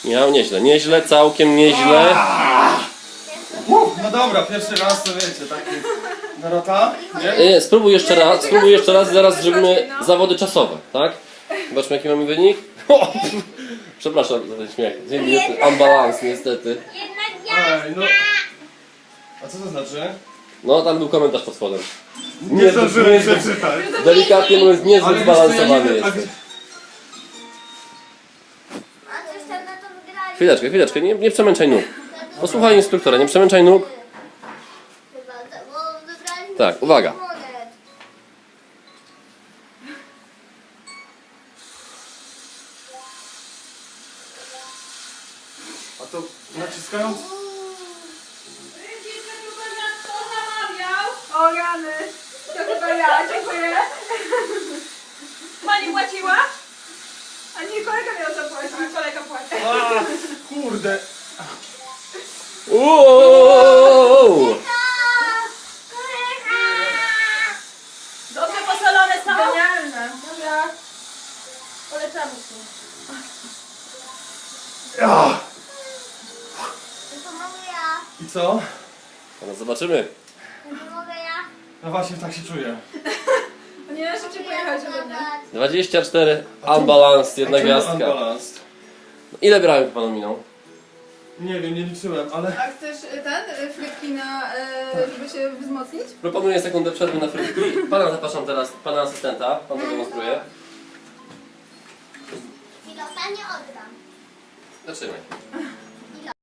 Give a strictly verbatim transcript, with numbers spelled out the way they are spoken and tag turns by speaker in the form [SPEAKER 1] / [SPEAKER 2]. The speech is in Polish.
[SPEAKER 1] Miał nieźle, nieźle, całkiem nieźle.
[SPEAKER 2] Uf, no dobra, pierwszy raz to wiecie, taki... Dorota? Nie?
[SPEAKER 1] Nie, spróbuj jeszcze raz, spróbuj jeszcze raz, zaraz zrobimy zawody czasowe, tak? Zobaczmy jaki mamy wynik. O, przepraszam za ten śmiech. Unbalans niestety.
[SPEAKER 2] Ej, no... A co to znaczy?
[SPEAKER 1] No tam był komentarz pod spodem.
[SPEAKER 2] Nie zdążyłem przeczytać.
[SPEAKER 1] Delikatnie mówiąc, niezbyt
[SPEAKER 2] Ale wiesz co, ja nie
[SPEAKER 1] zbalansowany
[SPEAKER 2] wiem, a
[SPEAKER 1] jest.
[SPEAKER 2] wie-
[SPEAKER 3] A coś tam na to wygrali.
[SPEAKER 1] Chwileczkę, chwileczkę, nie, nie przemęczaj nóg. Posłuchaj instruktora, nie przemęczaj nóg.
[SPEAKER 3] Chyba, to- bo wygrali
[SPEAKER 1] Tak, uwaga.
[SPEAKER 3] monet.
[SPEAKER 2] A to naciskając...
[SPEAKER 4] Kto zamawiał? O rany. To chyba ja, dziękuję. Pani płaciła? A nie, kolega miał zapłacić. Kolega płaci.
[SPEAKER 2] A, kurde!
[SPEAKER 1] Uuu!
[SPEAKER 4] Dobrze posolone są? Genialne. Dobra. Polecamy się.
[SPEAKER 2] Ja.
[SPEAKER 3] To mogę ja.
[SPEAKER 2] I co?
[SPEAKER 1] No zobaczymy.
[SPEAKER 3] To mogę ja.
[SPEAKER 2] No właśnie, tak się czuję.
[SPEAKER 4] Nie, szybciej pojechać ode mnie.
[SPEAKER 1] dwadzieścia cztery unbalans, jedna gwiazdka.
[SPEAKER 2] Unbalanced.
[SPEAKER 1] Ile brałem panu minął?
[SPEAKER 2] Nie wiem, nie liczyłem, ale...
[SPEAKER 5] A chcesz y, ten, y, frytki na, y, żeby się wzmocnić?
[SPEAKER 1] Proponuję sekundę przerwy na frytki. Pana zapraszam teraz, pana asystenta. Pan to demonstruje.
[SPEAKER 3] I dostanie oddam.
[SPEAKER 1] Zaczynaj.